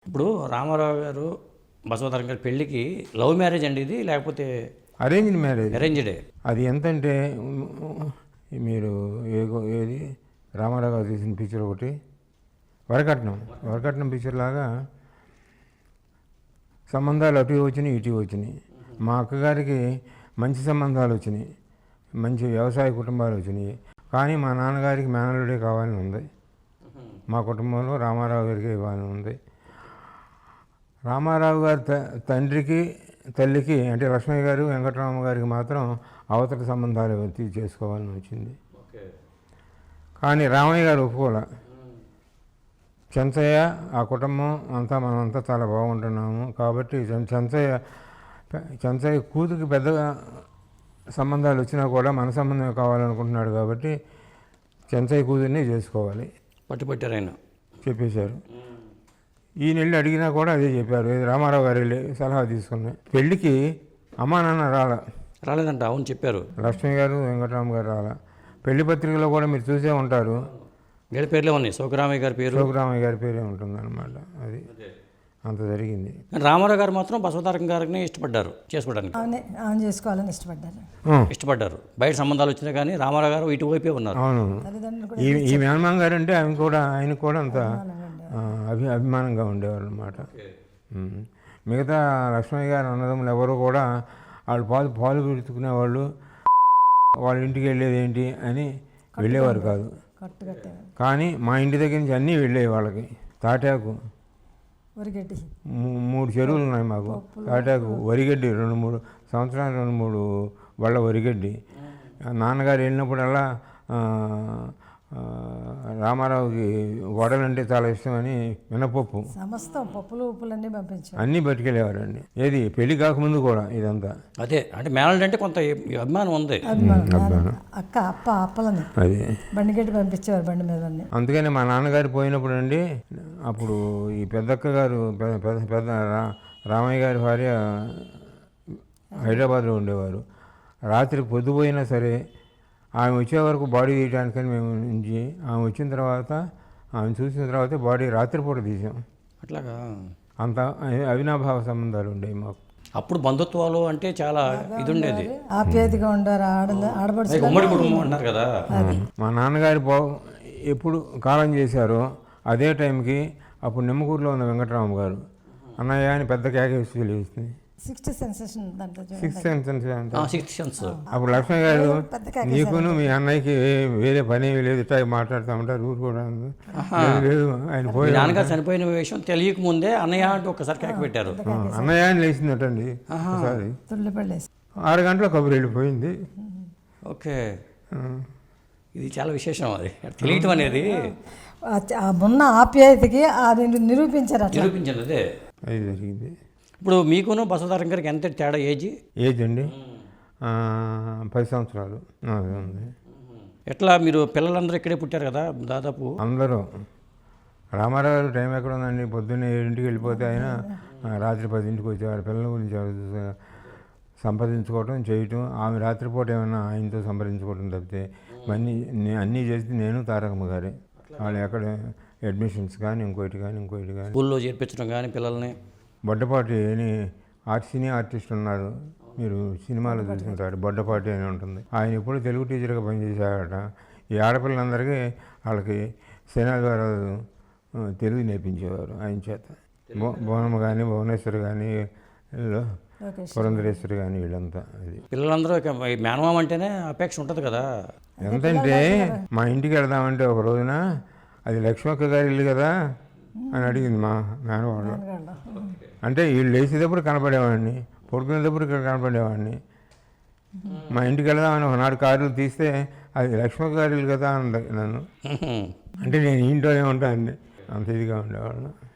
ఇప్పుడు రామారావు గారు బసవతారకం గారి పెళ్ళికి లవ్ మ్యారేజ్ అండి ఇది, లేకపోతే అరేంజ్డ్ మ్యారేజ్. అరేంజ్డే? అది ఎంతంటే మీరు ఏది రామారావు గారు తీసిన పిక్చర్ ఒకటి వరకట్నం పిక్చర్ లాగా సంబంధాలు అటు వచ్చినాయి ఇటు వచ్చినాయి. మా అక్కగారికి మంచి సంబంధాలు వచ్చినాయి, మంచి వ్యవసాయ కుటుంబాలు వచ్చినాయి. కానీ మా నాన్నగారికి మేనల్లుడే కావాలని ఉంది. మా కుటుంబంలో రామారావు గారికి ఇవ్వాలని ఉంది. రామారావు గారి తండ్రికి తల్లికి అంటే లక్ష్మయ్య గారు వెంకటరామ గారికి మాత్రం అవతల సంబంధాలు చేసుకోవాలని వచ్చింది. కానీ రామయ్య గారు ఒప్పుకోలే. చెంచయ్య ఆ కుటుంబం అంతా మనమంతా చాలా బాగుంటున్నాము కాబట్టి చెంచయ్య కూతురికి పెద్దగా సంబంధాలు వచ్చినా కూడా మన సంబంధం కావాలనుకుంటున్నాడు కాబట్టి చెంచయ్య కూతుర్ని చేసుకోవాలి పట్టుపట్టారు ఆయన చెప్పేశారు. ఈయన వెళ్ళి అడిగినా కూడా అదే చెప్పారు. రామారావు గారు వెళ్ళి సలహా తీసుకున్నాయి. పెళ్ళికి అమ్మా నాన్న రాలేదంట. అవును చెప్పారు. లక్ష్మీ గారు వెంకటరామ గారు రాలా. పెళ్లి పత్రికలో కూడా మీరు చూసే ఉంటారు, వీళ్ళ పేర్లే ఉన్నాయి. సోకరామయ్య గారి పేరే ఉంటుంది అనమాట. అది అంత జరిగింది. రామారావు గారు మాత్రం బసవతారకం గారిని ఇష్టపడ్డారు చేసుకోవడానికి, చేసుకోవాలని ఇష్టపడ్డారు. బయట సంబంధాలు వచ్చినా కానీ రామారావు గారు ఇటువైపే ఉన్నారు. అవును. ఈ మేనమామ గారు అంటే ఆయన కూడా అంత అభిమానంగా ఉండేవాళ్ళు అనమాట. మిగతా లక్ష్మయ్య గారు అన్నదమ్ములు ఎవరు కూడా వాళ్ళు పాలు పెట్టుకునేవాళ్ళు, వాళ్ళ ఇంటికి వెళ్ళేది ఏంటి అని వెళ్ళేవారు కాదు. కానీ మా ఇంటి దగ్గర నుంచి అన్నీ వెళ్ళేవి వాళ్ళకి. తాటాకు 3 చెరువులు ఉన్నాయి మాకు. తాటాకు వరిగడ్డి 2-3 సంవత్సరాలు 2-3 వాళ్ళ వరిగడ్డి. నాన్నగారు వెళ్ళినప్పుడల్లా రామారావుకి వడలంటే చాలా ఇష్టమని మినపప్పు సమస్తం పప్పులు ఉప్పులన్నీ పంపించారు, అన్నీ పట్టుకెళ్ళేవారండి. ఏది పెళ్లి కాకముందు కూడా ఇదంతా. అదే అంటే మేనల్డ్ అంటే కొంత అభిమానం ఉంది. అక్క అప్పలని అది బండిగడ్డి పంపించేవారు బండి మీద. అందుకని మా నాన్నగారు పోయినప్పుడు అండి, అప్పుడు ఈ పెద్దక్క గారు పెద్ద రామయ్య గారి భార్య హైదరాబాద్లో ఉండేవారు. రాత్రి పొద్దుపోయినా సరే ఆమె వచ్చే వరకు బాడీ తీయడానికని మేము నుంచి ఆమె వచ్చిన తర్వాత ఆమె చూసిన తర్వాత బాడీ రాత్రిపూట తీసాం. అట్లాగా అంత అవినాభావ సంబంధాలు ఉండేవి మాకు. అప్పుడు బంధుత్వాలు అంటే చాలా ఇది ఉండేది, ఆప్యాయతగా ఉండారు. ఉమ్మడి కుటుంబం అన్నారు కదా. మా నాన్నగారు ఎప్పుడు కాలం చేశారో అదే టైంకి అప్పుడు నిమ్మకూరులో ఉన్న వెంకటరామ గారు అన్నయ్య అని పెద్ద కేకేసి తెలియస్తుంది. Sixth sense. అప్పుడు లక్ష్మీ గారు నీకును మీ అన్నయ్యకి వేరే పని లేదు, ఇట్లా మాట్లాడుతూ ఉంటారు ఊరు కూడా లేదు. ఆయన పోయి నాన్నగారు చనిపోయిన విషయం తెలియక ముందే అన్నయ్య అంటూ ఒకసారి కేక పెట్టారు. అన్నయ్య అని లేచిందటండి ఒకసారి. 6 గంటల కబురు వెళ్ళిపోయింది. ఓకే, ఇది చాలా విశేషం. అది తెలియటం అనేది ఉన్న ఆప్యాయతకి అది నిరూపించారు. అదే అది జరిగింది. ఇప్పుడు మీకును బసవతారకం గారికి ఎంత తేడా ఏజ్ అండి? 10 సంవత్సరాలు ఉంది. ఎట్లా మీరు పిల్లలందరూ ఇక్కడే పుట్టారు కదా దాదాపు అందరూ? రామారావు గారు టైం ఎక్కడ ఉందండి, పొద్దున్నే 7ంటికి వెళ్ళిపోతే ఆయన రాత్రి 10ంటికి వచ్చేవారు. పిల్లల గురించి సంపాదించుకోవటం చేయటం, ఆమె రాత్రిపూట ఏమైనా ఆయనతో సంప్రదించుకోవటం తప్పితే అన్నీ చేసి నేను తారకమ్మ గారే. వాళ్ళు ఎక్కడ అడ్మిషన్స్ కానీ ఇంకోటి కానీ స్కూల్లో చేర్పించడం కానీ పిల్లల్ని. బొడ్డపాటి అని సినీ ఆర్టిస్ట్ ఉన్నారు, మీరు సినిమాలో చూసుకుంటారు. బొడ్డపాటి అని ఉంటుంది. ఆయన ఎప్పుడు తెలుగు టీచర్గా పనిచేశాడట. ఈ ఆడపిల్లలందరికీ వాళ్ళకి శనాద్వారాలు తెలుగు నేర్పించేవారు ఆయన చేత. భువనమ్మ కానీ భువనేశ్వరి కానీ పురంధరేశ్వరి కానీ వీళ్ళంతా. అది పిల్లలందరూ మేనమామ అంటేనే అపేక్ష ఉంటుంది కదా. ఎంతంటే మా ఇంటికి వెళదామంటే ఒక రోజున అది లక్ష్మక్క గారి ఇల్లు కదా అని అడిగింది మా మేనవాళ్ళు. అంటే వీళ్ళు లేచేటప్పుడు కనపడేవాడిని, పడుకునేటప్పుడు ఇక్కడ కనపడేవాడిని. మా ఇంటికి వెళదామని ఒకనాడు కార్లు తీస్తే అది లక్ష్మక్క గారి ఇల్లు కదా అన్నది నన్ను. అంటే నేను ఇంట్లోనే ఉంటాను, అంత ఇదిగా ఉండేవాళ్ళను.